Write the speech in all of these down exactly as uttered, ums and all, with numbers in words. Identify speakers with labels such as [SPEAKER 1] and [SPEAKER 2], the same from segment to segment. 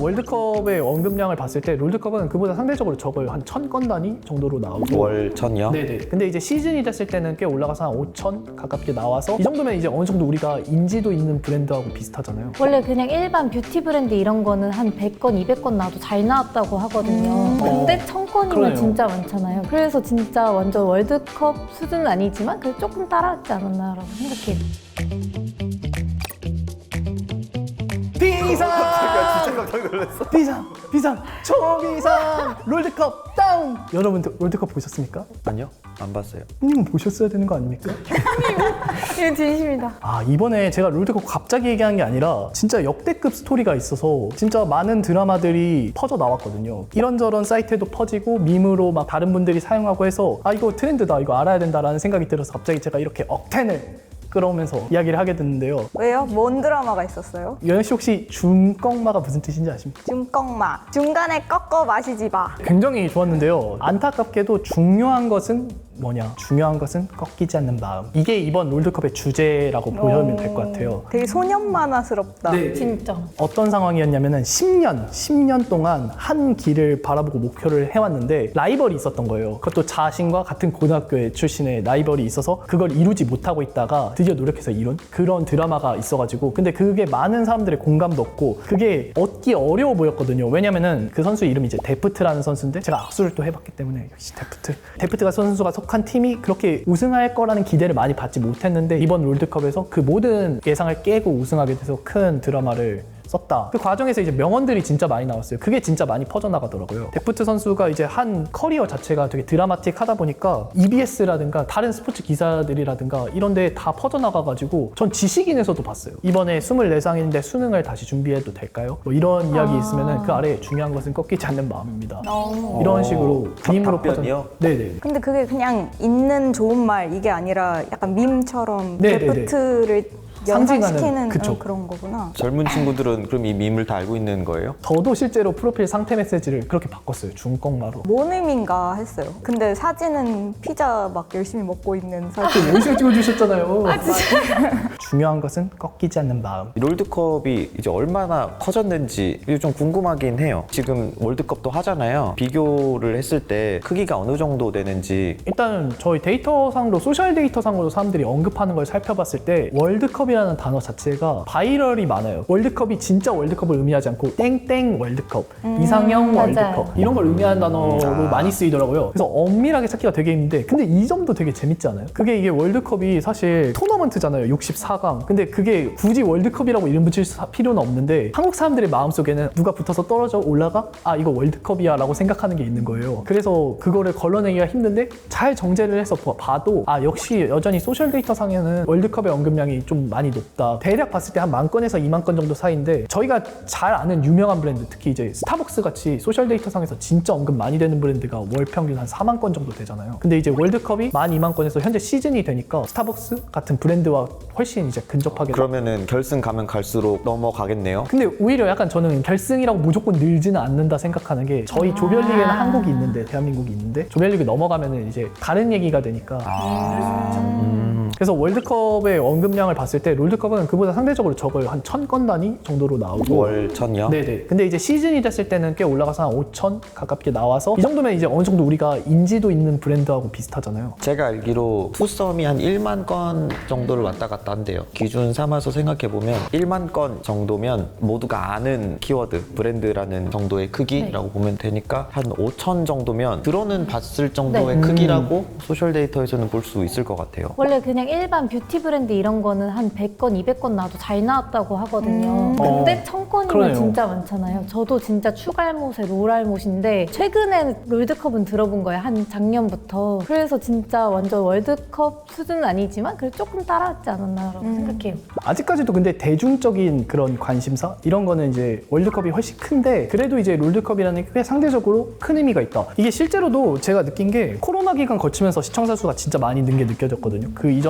[SPEAKER 1] 월드컵의 언급량을 봤을 때 롤드컵은 그보다 상대적으로 적어요. 한 천 건 단위 정도로 나오고.
[SPEAKER 2] 월 천이요?
[SPEAKER 1] 네네. 근데 이제 시즌이 됐을 때는 꽤 올라가서 한 오천 가깝게 나와서 이 정도면 이제 어느 정도 우리가 인지도 있는 브랜드하고 비슷하잖아요.
[SPEAKER 3] 원래 그냥 일반 뷰티 브랜드 이런 거는 한 백 건, 이백 건 나와도 잘 나왔다고 하거든요.
[SPEAKER 1] 음.
[SPEAKER 3] 근데
[SPEAKER 1] 어.
[SPEAKER 3] 천 건이면
[SPEAKER 1] 그러네요.
[SPEAKER 3] 진짜 많잖아요. 그래서 진짜 완전 월드컵 수준은 아니지만 그래도 조금 따라하지 않았나라고 생각해요.
[SPEAKER 1] 비상!
[SPEAKER 2] 진짜 깜짝 놀랐어.
[SPEAKER 1] 비상! 비상! 초비상! 롤드컵 다운! 여러분 롤드컵 보셨습니까?
[SPEAKER 2] 아니요, 안 봤어요.
[SPEAKER 1] 님 보셨어야 되는 거 아닙니까?
[SPEAKER 3] 이건 진심이다.
[SPEAKER 1] 아, 이번에 제가 롤드컵 갑자기 얘기한 게 아니라 진짜 역대급 스토리가 있어서 진짜 많은 드라마들이 퍼져 나왔거든요. 이런저런 사이트에도 퍼지고 밈으로 막 다른 분들이 사용하고 해서 아, 이거 트렌드다, 이거 알아야 된다라는 생각이 들어서 갑자기 제가 이렇게 억텐을 끌어오면서 이야기를 하게 됐는데요.
[SPEAKER 4] 왜요? 뭔 드라마가 있었어요?
[SPEAKER 1] 여현 씨 혹시 중꺾마가 무슨 뜻인지 아십니까?
[SPEAKER 4] 중꺾마. 중간에 꺾어 마시지 마.
[SPEAKER 1] 굉장히 좋았는데요. 안타깝게도 중요한 것은 뭐냐? 중요한 것은 꺾이지 않는 마음. 이게 이번 롤드컵의 주제라고 보시면 될 것 같아요.
[SPEAKER 4] 되게 소년 만화스럽다.
[SPEAKER 3] 진짜.
[SPEAKER 1] 어떤 상황이었냐면은 십 년, 십 년 동안 한 길을 바라보고 목표를 해왔는데 라이벌이 있었던 거예요. 그것도 자신과 같은 고등학교에 출신의 라이벌이 있어서 그걸 이루지 못하고 있다가 드디어 노력해서 이룬 그런 드라마가 있어가지고 근데 그게 많은 사람들의 공감도 얻고 그게 얻기 어려워 보였거든요. 왜냐면은 그 선수 이름이 이제 데프트라는 선수인데 제가 악수를 또 해봤기 때문에 역시 데프트. 데프트가 선수가 속한 팀이 그렇게 우승할 거라는 기대를 많이 받지 못했는데 이번 롤드컵에서 그 모든 예상을 깨고 우승하게 돼서 큰 드라마를 썼다. 그 과정에서 이제 명언들이 진짜 많이 나왔어요. 그게 진짜 많이 퍼져나가더라고요. 데프트 선수가 이제 한 커리어 자체가 되게 드라마틱하다 보니까 이비에스라든가 다른 스포츠 기사들이라든가 이런 데 다 퍼져나가가지고 전 지식인에서도 봤어요. 이번에 스물네 상인데 수능을 다시 준비해도 될까요? 뭐 이런 이야기 있으면은 그 아래에 중요한 것은 꺾이지 않는 마음입니다.
[SPEAKER 4] 어.
[SPEAKER 1] 이런 식으로 밈으로
[SPEAKER 2] 답변이요?
[SPEAKER 1] 퍼져. 네네.
[SPEAKER 4] 근데 그게 그냥 있는 좋은 말 이게 아니라 약간 밈처럼
[SPEAKER 1] 네네네.
[SPEAKER 4] 데프트를
[SPEAKER 1] 상징하는,
[SPEAKER 4] 연상시키는
[SPEAKER 1] 그쵸.
[SPEAKER 4] 어, 그런 거구나.
[SPEAKER 2] 젊은 친구들은 그럼 이 밈을 다 알고 있는 거예요?
[SPEAKER 1] 저도 실제로 프로필 상태 메시지를 그렇게 바꿨어요. 중꺾마로.
[SPEAKER 4] 뭔 의미인가 했어요. 근데 사진은 피자 막 열심히 먹고 있는 사진.
[SPEAKER 1] 열심히 찍어주셨잖아요. 중요한 것은 꺾이지 않는 마음.
[SPEAKER 2] 이 롤드컵이 이제 얼마나 커졌는지 이게 좀 궁금하긴 해요. 지금 월드컵도 하잖아요. 비교를 했을 때 크기가 어느 정도 되는지.
[SPEAKER 1] 일단 저희 데이터상으로 소셜 데이터상으로 사람들이 언급하는 걸 살펴봤을 때 월드컵이라는 단어 자체가 바이럴이 많아요. 월드컵이 진짜 월드컵을 의미하지 않고 땡땡 월드컵, 이상형
[SPEAKER 3] 맞아요.
[SPEAKER 1] 월드컵 이런 걸 의미하는 단어로
[SPEAKER 2] 아.
[SPEAKER 1] 많이 쓰이더라고요. 그래서 엄밀하게 찾기가 되게 힘든데 근데 이 점도 되게 재밌지 않아요? 그게 이게 월드컵이 사실 토너먼트잖아요. 육십사 강. 근데 그게 굳이 월드컵이라고 이름 붙일 필요는 없는데 한국 사람들의 마음속에는 누가 붙어서 떨어져 올라가? 아 이거 월드컵이야 라고 생각하는 게 있는 거예요. 그래서 그거를 걸러내기가 힘든데 잘 정제를 해서 봐도 아 역시 여전히 소셜 데이터 상에는 월드컵의 언급량이 좀 많이 높다. 대략 봤을 때 한 만 건에서 이만 건 정도 사이인데 저희가 잘 아는 유명한 브랜드 특히 이제 스타벅스 같이 소셜 데이터 상에서 진짜 언급 많이 되는 브랜드가 월 평균 한 사만 건 정도 되잖아요. 근데 이제 월드컵이 만 이만 건에서 현재 시즌이 되니까 스타벅스 같은 브랜드와 훨씬 이제 근접하게
[SPEAKER 2] 그러면은 결승 가면 갈수록 넘어가겠네요.
[SPEAKER 1] 근데 오히려 약간 저는 결승이라고 무조건 늘지는 않는다 생각하는 게 저희 조별리그에는 한국이 있는데 대한민국이 있는데 조별리그 넘어가면은 이제 다른 얘기가 되니까
[SPEAKER 2] 음.
[SPEAKER 1] 그래서 월드컵의 언급량을 봤을 때 롤드컵은 그보다 상대적으로 적어요. 한 천 건 단위 정도로 나오고
[SPEAKER 2] 월 천이요?
[SPEAKER 1] 네네. 근데 이제 시즌이 됐을 때는 꽤 올라가서 한 오천 가깝게 나와서 이 정도면 이제 어느 정도 우리가 인지도 있는 브랜드하고 비슷하잖아요.
[SPEAKER 2] 제가 알기로 투썸이 한 일만 건 정도를 왔다 갔다 한대요. 기준 삼아서 생각해보면 일만 건 정도면 모두가 아는 키워드, 브랜드라는 정도의 크기라고 보면 되니까 한 오천 정도면 들어는 봤을 정도의
[SPEAKER 3] 네.
[SPEAKER 2] 크기라고 소셜 데이터에서는 볼 수 있을 것 같아요.
[SPEAKER 3] 원래 그냥 일반 뷰티 브랜드 이런 거는 한 백 건, 이백 건 나와도 잘 나왔다고 하거든요.
[SPEAKER 4] 음.
[SPEAKER 3] 근데
[SPEAKER 1] 어,
[SPEAKER 3] 천 건이면
[SPEAKER 1] 그러네요.
[SPEAKER 3] 진짜 많잖아요. 저도 진짜 추갈못의 롤알못인데 최근에 롤드컵은 들어본 거예요. 한 작년부터. 그래서 진짜 완전 월드컵 수준은 아니지만 그래도 조금 따라하지 않았나라고
[SPEAKER 4] 음.
[SPEAKER 3] 생각해요.
[SPEAKER 1] 아직까지도 근데 대중적인 그런 관심사 이런 거는 이제 월드컵이 훨씬 큰데 그래도 이제 롤드컵이라는 게 꽤 상대적으로 큰 의미가 있다. 이게 실제로도 제가 느낀 게 코로나 기간 거치면서 시청자 수가 진짜 많이 는 게 느껴졌거든요. 그 이전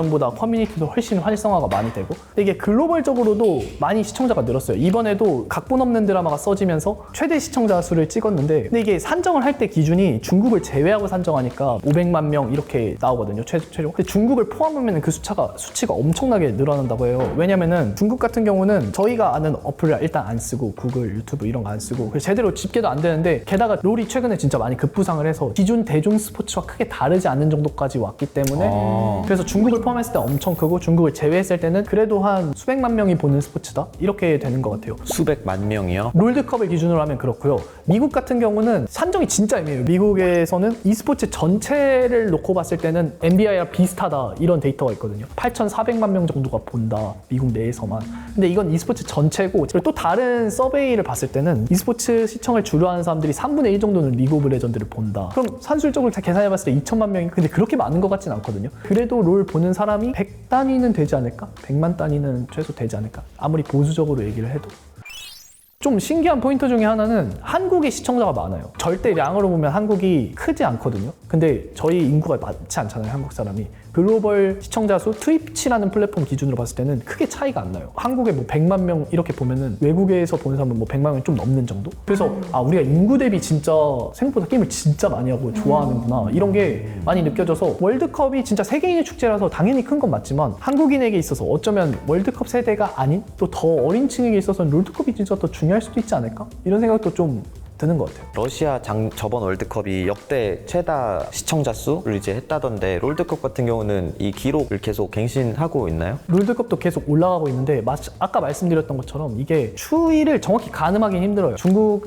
[SPEAKER 1] 예전보다 커뮤니티도 훨씬 활성화가 많이 되고 근데 이게 글로벌적으로도 많이 시청자가 늘었어요. 이번에도 각본 없는 드라마가 써지면서 최대 시청자 수를 찍었는데 근데 이게 산정을 할 때 기준이 중국을 제외하고 산정하니까 오백만 명 이렇게 나오거든요. 최, 최종. 근데 중국을 포함하면 그 수치가, 수치가 엄청나게 늘어난다고 해요. 왜냐면은 중국 같은 경우는 저희가 아는 어플을 일단 안 쓰고 구글, 유튜브 이런 거 안 쓰고 그래서 제대로 집계도 안 되는데 게다가 롤이 최근에 진짜 많이 급부상을 해서 기존 대중 스포츠와 크게 다르지 않는 정도까지 왔기 때문에
[SPEAKER 2] 아.
[SPEAKER 1] 그래서 중국을 포함했을 때 엄청 크고 중국을 제외했을 때는 그래도 한 수백만 명이 보는 스포츠다? 이렇게 되는 것 같아요.
[SPEAKER 2] 수백만 명이요?
[SPEAKER 1] 롤드컵을 기준으로 하면 그렇고요. 미국 같은 경우는 산정이 진짜 애매해요. 미국에서는 e스포츠 전체를 놓고 봤을 때는 엔비에이랑 비슷하다 이런 데이터가 있거든요. 팔천사백만 명 정도가 본다. 미국 내에서만. 근데 이건 e스포츠 전체고 그리고 또 다른 서베이를 봤을 때는 e스포츠 시청을 주로 하는 사람들이 삼분의 일 정도는 리그 오브 레전드를 본다. 그럼 산술적으로 다 계산해봤을 때 이천만 명이 근데 그렇게 많은 것 같진 않거든요. 그래도 롤 보는 사람이 백 단위는 되지 않을까? 백만 단위는 최소 되지 않을까? 아무리 보수적으로 얘기를 해도. 좀 신기한 포인트 중에 하나는 한국의 시청자가 많아요. 절대량으로 보면 한국이 크지 않거든요. 근데 저희 인구가 많지 않잖아요, 한국 사람이. 글로벌 시청자 수 트위치라는 플랫폼 기준으로 봤을 때는 크게 차이가 안 나요. 한국에 뭐 백만 명 이렇게 보면은 외국에서 보는 사람은 뭐 백만 명이 좀 넘는 정도? 그래서 아 우리가 인구 대비 진짜 생각보다 게임을 진짜 많이 하고 좋아하는구나 이런 게 많이 느껴져서 월드컵이 진짜 세계인의 축제라서 당연히 큰 건 맞지만 한국인에게 있어서 어쩌면 월드컵 세대가 아닌 또 더 어린 층에게 있어서는 롤드컵이 진짜 더 중요할 수도 있지 않을까? 이런 생각도 좀 드는 것 같아요.
[SPEAKER 2] 러시아 장, 저번 월드컵이 역대 최다 시청자 수를 이제 했다던데 롤드컵 같은 경우는 이 기록을 계속 갱신하고 있나요?
[SPEAKER 1] 롤드컵도 계속 올라가고 있는데 마, 아까 말씀드렸던 것처럼 이게 추이를 정확히 가늠하기는 힘들어요.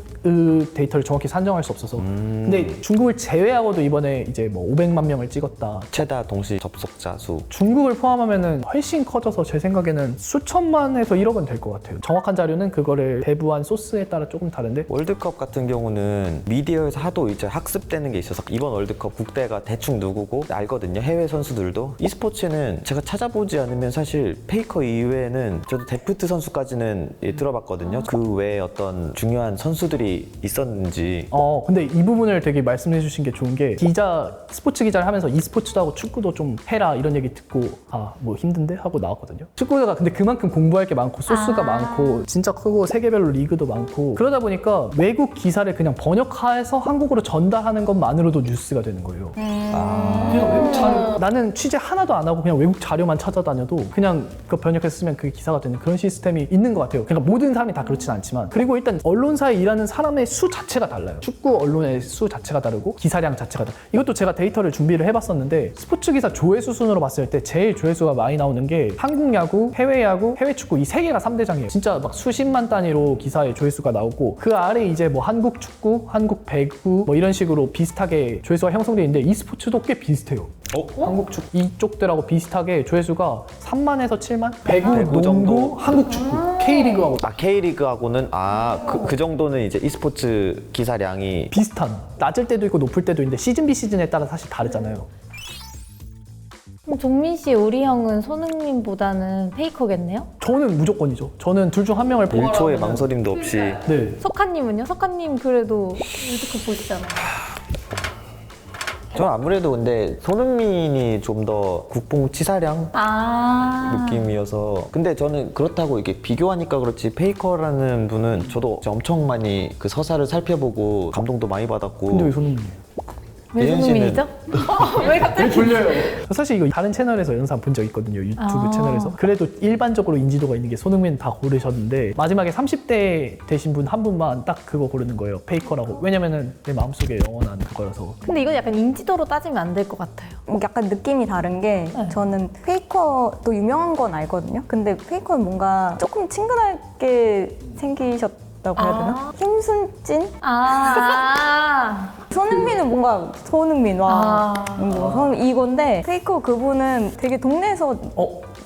[SPEAKER 1] 중국의 데이터를 정확히 산정할 수 없어서.
[SPEAKER 2] 음...
[SPEAKER 1] 근데 중국을 제외하고도 이번에 이제 뭐 오백만 명을 찍었다.
[SPEAKER 2] 최다 동시 접속자 수.
[SPEAKER 1] 중국을 포함하면은 훨씬 커져서 제 생각에는 수천만에서 일억은 될 것 같아요. 정확한 자료는 그거를 배부한 소스에 따라 조금 다른데
[SPEAKER 2] 월드컵 같은 경우는 미디어에서 하도 이제 학습되는 게 있어서 이번 월드컵 국대가 대충 누구고 알거든요. 해외 선수들도. e스포츠는 제가 찾아보지 않으면 사실 페이커 이외에는 저도 데프트 선수까지는 예, 들어봤거든요. 그 외에 어떤 중요한 선수들이 있었는지.
[SPEAKER 1] 어 근데 이 부분을 되게 말씀해 주신 게 좋은 게 기자 스포츠 기자를 하면서 e스포츠도 하고 축구도 좀 해라 이런 얘기 듣고 아 뭐 힘든데 하고 나왔거든요. 축구가 근데 그만큼 공부할 게 많고 소스가
[SPEAKER 3] 아.
[SPEAKER 1] 많고 진짜 크고 세계별로 리그도 많고 그러다 보니까 외국 기사를 그냥 번역해서 한국어로 전달하는 것만으로도 뉴스가 되는 거예요.
[SPEAKER 2] 아...
[SPEAKER 1] 그냥 외국 자료 나는 취재 하나도 안 하고 그냥 외국 자료만 찾아다녀도 그냥 그 번역해서 쓰면 그게 기사가 되는 그런 시스템이 있는 것 같아요. 그러니까 모든 사람이 다 그렇진 않지만 그리고 일단 언론사에 일하는 사람의 수 자체가 달라요. 축구 언론의 수 자체가 다르고 기사량 자체가 다르고 이것도 제가 데이터를 준비를 해봤었는데 스포츠 기사 조회수 순으로 봤을 때 제일 조회수가 많이 나오는 게 한국 야구, 해외 야구, 해외 축구 이 세 개가 삼 대장이에요. 진짜 막 수십만 단위로 기사의 조회수가 나오고 그 아래 이제 뭐 한국 축구, 한국 배구 뭐 이런 식으로 비슷하게 조회수가 형성되어 있는데 e스포츠도 꽤 비슷해요.
[SPEAKER 2] 어?
[SPEAKER 1] 한국 축구 이쪽들하고 비슷하게 조회수가 삼만에서 칠만? 배구,
[SPEAKER 2] 배구
[SPEAKER 1] 농구,
[SPEAKER 2] 정도?
[SPEAKER 1] 한국 축구, K리그하고
[SPEAKER 2] 아 K리그하고는 아 그 그 정도는 이제 e스포츠 기사량이
[SPEAKER 1] 비슷한 낮을 때도 있고 높을 때도 있는데 시즌 비 시즌에 따라 사실 다르잖아요.
[SPEAKER 3] 그럼 종민 씨, 우리 형은 손흥민보다는 페이커겠네요?
[SPEAKER 1] 저는 무조건이죠. 저는 둘 중 한 명을
[SPEAKER 2] 일 초의
[SPEAKER 1] 뽑아라면
[SPEAKER 2] 망설임도 없이
[SPEAKER 1] 네.
[SPEAKER 3] 석하님은요? 석하님 그래도 월드컵 보시잖아요.
[SPEAKER 2] 저는 아무래도 근데 손흥민이 좀 더 국뽕치사량
[SPEAKER 3] 아
[SPEAKER 2] 느낌이어서 근데 저는 그렇다고 이게 비교하니까 그렇지 페이커라는 분은 저도 엄청 많이 그 서사를 살펴보고 감동도 많이 받았고
[SPEAKER 1] 근데 왜 손흥민이에요?
[SPEAKER 3] 왜
[SPEAKER 2] 예은
[SPEAKER 3] 손흥민이죠? 어, 왜 갑자기?
[SPEAKER 1] 돌려요. 사실 이거 다른 채널에서 영상 본 적 있거든요. 유튜브
[SPEAKER 3] 아.
[SPEAKER 1] 채널에서. 그래도 일반적으로 인지도가 있는 게 손흥민 다 고르셨는데 마지막에 삼십 대 되신 분 한 분만 딱 그거 고르는 거예요. 페이커라고. 왜냐면은 내 마음속에 영원한 그거라서.
[SPEAKER 3] 근데 이건 약간 인지도로 따지면 안 될 것 같아요.
[SPEAKER 4] 약간 느낌이 다른 게
[SPEAKER 3] 네.
[SPEAKER 4] 저는 페이커도 유명한 건 알거든요. 근데 페이커는 뭔가 조금 친근하게 생기셨다고 해야 되나?
[SPEAKER 3] 아.
[SPEAKER 4] 힘순찐?
[SPEAKER 3] 아,
[SPEAKER 4] 손흥민은 뭔가 손흥민 와
[SPEAKER 3] 아.
[SPEAKER 4] 뭐 손- 이건데 페이커 그분은 되게 동네에서
[SPEAKER 1] 어?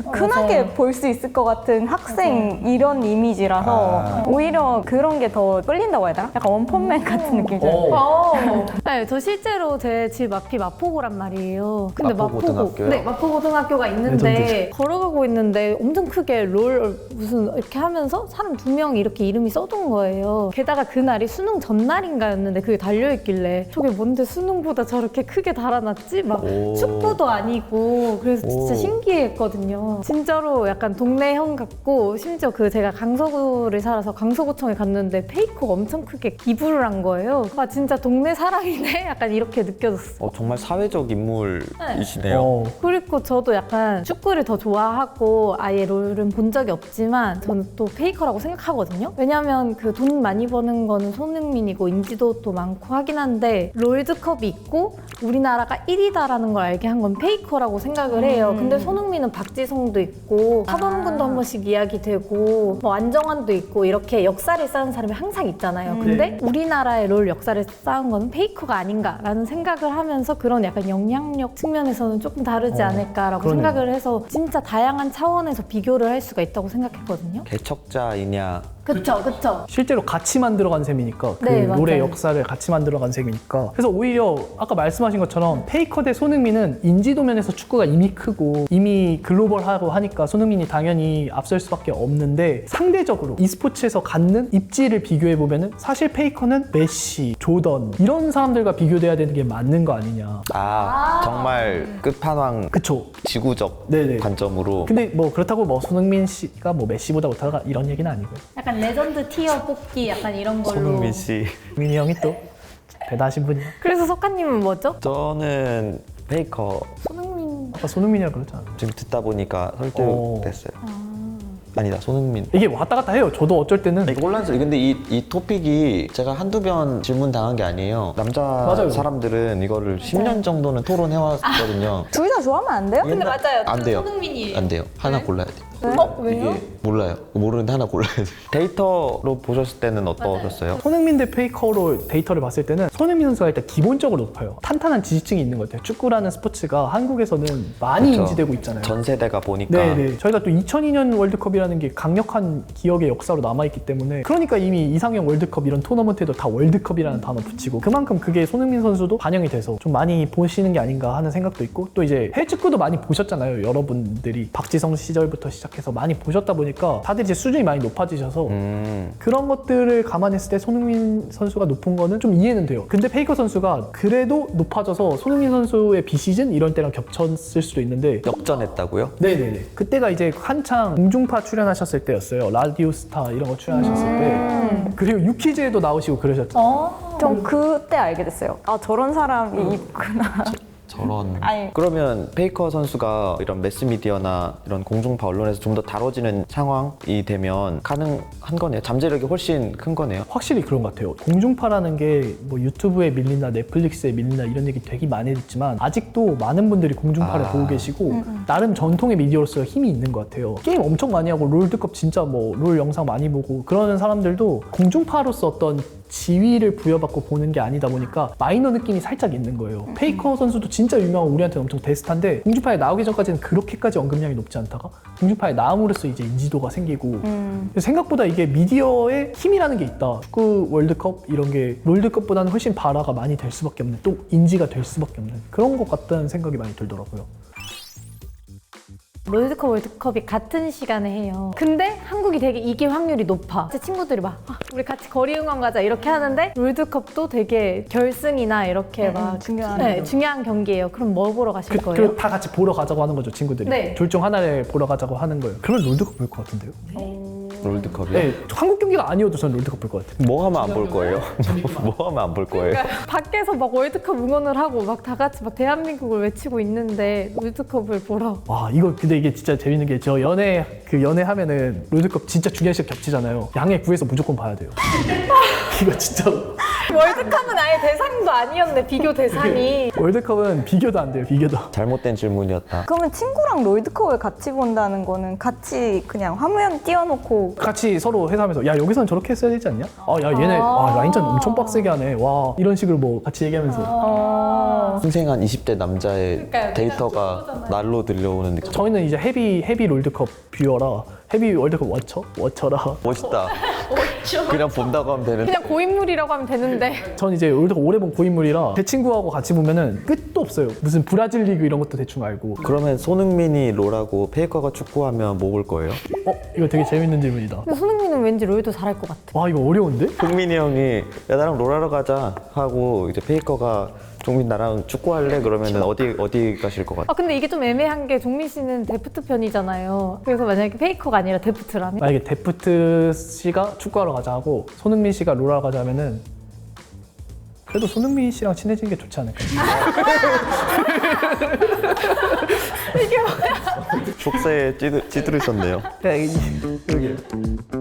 [SPEAKER 4] 흔하게
[SPEAKER 3] 맞아요.
[SPEAKER 4] 볼 수 있을 것 같은 학생 이런 이미지라서
[SPEAKER 2] 아.
[SPEAKER 4] 오히려 그런 게 더 끌린다고 해야 되나? 약간 원펀맨 같은 느낌이잖아요.
[SPEAKER 1] 어.
[SPEAKER 3] 어. 네, 저 실제로 제 집 앞이 마포고란 말이에요. 근데
[SPEAKER 2] 마포고등학교요?
[SPEAKER 3] 네, 마포고등학교가 있는데
[SPEAKER 1] 레전드지.
[SPEAKER 3] 걸어가고 있는데 엄청 크게 롤 무슨 이렇게 하면서 사람 두 명이 이렇게 이름이 써둔 거예요. 게다가 그날이 수능 전날인가였는데 그게 달려있길래 저게 뭔데 수능보다 저렇게 크게 달아놨지? 막
[SPEAKER 2] 오.
[SPEAKER 3] 축구도 아니고 그래서 진짜
[SPEAKER 2] 오.
[SPEAKER 3] 신기했거든요. 진짜로 약간 동네 형 같고 심지어 그 제가 강서구를 살아서 강서구청에 갔는데 페이커가 엄청 크게 기부를 한 거예요. 아 진짜 동네 사람이네? 약간 이렇게 느껴졌어요.
[SPEAKER 2] 어, 정말 사회적 인물이시네요.
[SPEAKER 1] 어.
[SPEAKER 3] 그리고 저도 약간 축구를 더 좋아하고 아예 롤은 본 적이 없지만 저는 또 페이커라고 생각하거든요. 왜냐면 그 돈 많이 버는 거는 손흥민이고 인지도도 많고 하긴 한데 롤드컵이 있고 우리나라가 일 위다라는 걸 알게 한 건 페이커라고 생각을 해요. 근데 손흥민은 박지성도 있고 하범근도 한 번씩 이야기되고 뭐 안정환도 있고 이렇게 역사를 쌓은 사람이 항상 있잖아요. 근데 우리나라의 롤 역사를 쌓은 건 페이커가 아닌가라는 생각을 하면서 그런 약간 영향력 측면에서는 조금 다르지
[SPEAKER 1] 어,
[SPEAKER 3] 않을까라고
[SPEAKER 1] 그러네요.
[SPEAKER 3] 생각을 해서 진짜 다양한 차원에서 비교를 할 수가 있다고 생각했거든요.
[SPEAKER 2] 개척자이냐
[SPEAKER 3] 그쵸, 그쵸.
[SPEAKER 1] 실제로 같이 만들어간 셈이니까 그
[SPEAKER 3] 네,
[SPEAKER 1] 롤의
[SPEAKER 3] 맞아요.
[SPEAKER 1] 역사를 같이 만들어간 셈이니까 그래서 오히려 아까 말씀하신 것처럼 페이커 대 손흥민은 인지도 면에서 축구가 이미 크고 이미 글로벌하고 하니까 손흥민이 당연히 앞설 수밖에 없는데 상대적으로 e스포츠에서 갖는 입지를 비교해보면은 사실 페이커는 메시, 조던 이런 사람들과 비교돼야 되는 게 맞는 거 아니냐.
[SPEAKER 2] 아, 정말 끝판왕
[SPEAKER 1] 그쵸.
[SPEAKER 2] 지구적
[SPEAKER 1] 네네.
[SPEAKER 2] 관점으로
[SPEAKER 1] 근데 뭐 그렇다고 뭐 손흥민 씨가 뭐 메시보다 못하다 이런 얘기는 아니고요.
[SPEAKER 3] 약간 레전드 티어 뽑기 약간 이런 걸로.
[SPEAKER 2] 손흥민 씨.
[SPEAKER 1] 민희 형이 또 대단하신 분이야.
[SPEAKER 3] 그래서 석가님은 뭐죠?
[SPEAKER 2] 저는 페이커
[SPEAKER 3] 손흥민.
[SPEAKER 1] 아까 손흥민이라고 그랬잖아.
[SPEAKER 2] 지금 듣다 보니까 설득됐어요. 아니다, 손흥민.
[SPEAKER 1] 이게 왔다 갔다 해요. 저도 어쩔 때는
[SPEAKER 2] 이게 혼란스러워. 근데 이, 이 토픽이 제가 한두 번 질문 당한 게 아니에요. 남자
[SPEAKER 1] 맞아요.
[SPEAKER 2] 사람들은 이거를 십 년 정도는 토론해왔거든요.
[SPEAKER 4] 둘 다 좋아하면 안 돼요?
[SPEAKER 3] 근데 맞아요.
[SPEAKER 2] 안
[SPEAKER 3] 저는
[SPEAKER 2] 돼요.
[SPEAKER 3] 손흥민이에요.
[SPEAKER 2] 안 돼요. 하나
[SPEAKER 3] 네?
[SPEAKER 2] 골라야 돼요.
[SPEAKER 3] 어? 왜요?
[SPEAKER 2] 이게 몰라요. 모르는데 하나 골라야 돼요. 데이터로 보셨을 때는 어떠셨어요?
[SPEAKER 1] 손흥민 대 페이커로 데이터를 봤을 때는 손흥민 선수가 일단 기본적으로 높아요. 탄탄한 지지층이 있는 것 같아요. 축구라는 스포츠가 한국에서는 많이
[SPEAKER 2] 그쵸.
[SPEAKER 1] 인지되고 있잖아요.
[SPEAKER 2] 전 세대가 보니까
[SPEAKER 1] 네네. 저희가 또 이천이 년 월드컵이라는 게 강력한 기억의 역사로 남아있기 때문에 그러니까 이미 이상형 월드컵 이런 토너먼트에도 다 월드컵이라는 단어 붙이고 그만큼 그게 손흥민 선수도 반영이 돼서 좀 많이 보시는 게 아닌가 하는 생각도 있고 또 이제 해외 축구도 많이 보셨잖아요. 여러분들이 박지성 시절부터 시작해서 많이 보셨다 보니까 다들 이제 수준이 많이 높아지셔서
[SPEAKER 2] 음,
[SPEAKER 1] 그런 것들을 감안했을 때 손흥민 선수가 높은 거는 좀 이해는 돼요. 근데 페이커 선수가 그래도 높아져서 손흥민 선수의 비시즌 이런 때랑 겹쳤을 수도 있는데
[SPEAKER 2] 역전했다고요?
[SPEAKER 1] 네네네. 그때가 이제 한창 공중파 출연하셨을 때였어요. 라디오 스타 이런 거 출연하셨을 때. 그리고 유퀴즈에도 나오시고 그러셨죠.
[SPEAKER 3] 어.
[SPEAKER 4] 전 그때 알게 됐어요. 아 저런 사람이 있구나.
[SPEAKER 2] 저런.
[SPEAKER 4] 아니.
[SPEAKER 2] 그러면 페이커 선수가 이런 매스미디어나 이런 공중파 언론에서 좀 더 다뤄지는 상황이 되면 가능한 거네요. 잠재력이 훨씬 큰 거네요.
[SPEAKER 1] 확실히 그런 것 같아요. 공중파라는 게 뭐 유튜브에 밀린다, 넷플릭스에 밀린다 이런 얘기 되게 많이 듣지만 아직도 많은 분들이 공중파를
[SPEAKER 2] 아.
[SPEAKER 1] 보고 계시고 나름 전통의 미디어로서 힘이 있는 것 같아요. 게임 엄청 많이 하고 롤드컵 진짜 뭐 롤 영상 많이 보고 그러는 사람들도 공중파로서 어떤 지위를 부여받고 보는 게 아니다 보니까 마이너 느낌이 살짝 있는 거예요. 페이커 선수도 진짜 유명한 우리한테는 엄청 대스타인데 공중파에 나오기 전까지는 그렇게까지 언급량이 높지 않다가 공중파에 나옴으로써 이제 인지도가 생기고
[SPEAKER 4] 음.
[SPEAKER 1] 생각보다 이게 미디어의 힘이라는 게 있다. 축구 월드컵 이런 게 롤드컵보다는 훨씬 발화가 많이 될 수밖에 없는 또 인지가 될 수밖에 없는 그런 것 같다는 생각이 많이 들더라고요.
[SPEAKER 3] 롤드컵, 월드컵이 같은 시간에 해요. 근데 한국이 되게 이길 확률이 높아. 제 친구들이 막 아, 우리 같이 거리 응원 가자 이렇게 하는데 롤드컵도 되게 결승이나 이렇게
[SPEAKER 4] 음,
[SPEAKER 3] 막
[SPEAKER 4] 음, 중요한
[SPEAKER 3] 네,
[SPEAKER 4] 경기.
[SPEAKER 3] 중요한 경기예요. 그럼 뭐 보러 가실
[SPEAKER 1] 그,
[SPEAKER 3] 거예요?
[SPEAKER 1] 그 다 같이 보러 가자고 하는 거죠, 친구들이.
[SPEAKER 3] 네.
[SPEAKER 1] 둘 중 하나를 보러 가자고 하는 거예요. 그러면 롤드컵 볼 것 같은데요?
[SPEAKER 2] 롤드컵이요?
[SPEAKER 1] 네, 한국 경기가 아니어도 저는 롤드컵 볼 것 같아요.
[SPEAKER 2] 뭐 하면 안 볼 거예요? 뭐 하면 안 볼 거예요?
[SPEAKER 3] 밖에서 막 월드컵 응원을 하고 막 다 같이 막 대한민국을 외치고 있는데 롤드컵을 보러
[SPEAKER 1] 와, 이거 근데 이게 진짜 재밌는 게 저 연애 그 연애 하면은 롤드컵 진짜 중요한 시간 겹치잖아요. 양해 구해서 무조건 봐야 돼요. 이거 진짜로.
[SPEAKER 3] 월드컵은 아예 대상도 아니었네, 비교 대상이.
[SPEAKER 1] 월드컵은 비교도 안 돼요, 비교도.
[SPEAKER 2] 잘못된 질문이었다.
[SPEAKER 4] 그러면 친구랑 롤드컵을 같이 본다는 거는 같이 그냥 화면 띄워놓고
[SPEAKER 1] 같이 서로 회사하면서 야 여기선 저렇게 했어야 되지 않냐? 아 야 얘네 와, 라인전 엄청 빡세게 하네. 와 이런 식으로 뭐 같이 얘기하면서
[SPEAKER 4] 어...
[SPEAKER 2] 생생한 이십 대 남자의
[SPEAKER 3] 그러니까요,
[SPEAKER 2] 데이터가 날로 들려오는 느낌.
[SPEAKER 1] 저희는 이제 헤비 헤비 롤드컵 뷰어라 헤비 월드컵 워처 워처라.
[SPEAKER 2] 멋있다. 그냥 본다고 하면 되는.
[SPEAKER 3] 그냥 고인물이라고 하면 되는데.
[SPEAKER 1] 전 이제 월드컵 오래 본 고인물이라 제 친구하고 같이 보면은 끝도 없어요. 무슨 브라질 리그 이런 것도 대충 알고.
[SPEAKER 2] 그러면 손흥민이 롤하고 페이커가 축구하면 뭐 볼 거예요?
[SPEAKER 1] 어 이거 되게 재밌는 질문이다.
[SPEAKER 3] 근데 손흥민은 왠지 롤도 잘할 것 같아.
[SPEAKER 1] 와 이거 어려운데?
[SPEAKER 2] 흥민이 형이 야 나랑 롤하러 가자 하고 이제 페이커가 종민 나랑 축구할래? 그러면은 어디 어디 가실 것 같아?
[SPEAKER 3] 아 근데 이게 좀 애매한 게 종민 씨는 데프트 편이잖아요. 그래서 만약에 페이커가 아니라 데프트라면?
[SPEAKER 1] 만약에 데프트 씨가 축구하러 가자 하고 손흥민 씨가 롤하러 가자 하면은 그래도 손흥민 씨랑 친해지는 게 좋지 않을까?
[SPEAKER 2] 속세에 찌들, 찌들으셨네요.
[SPEAKER 1] 야, 이- 여기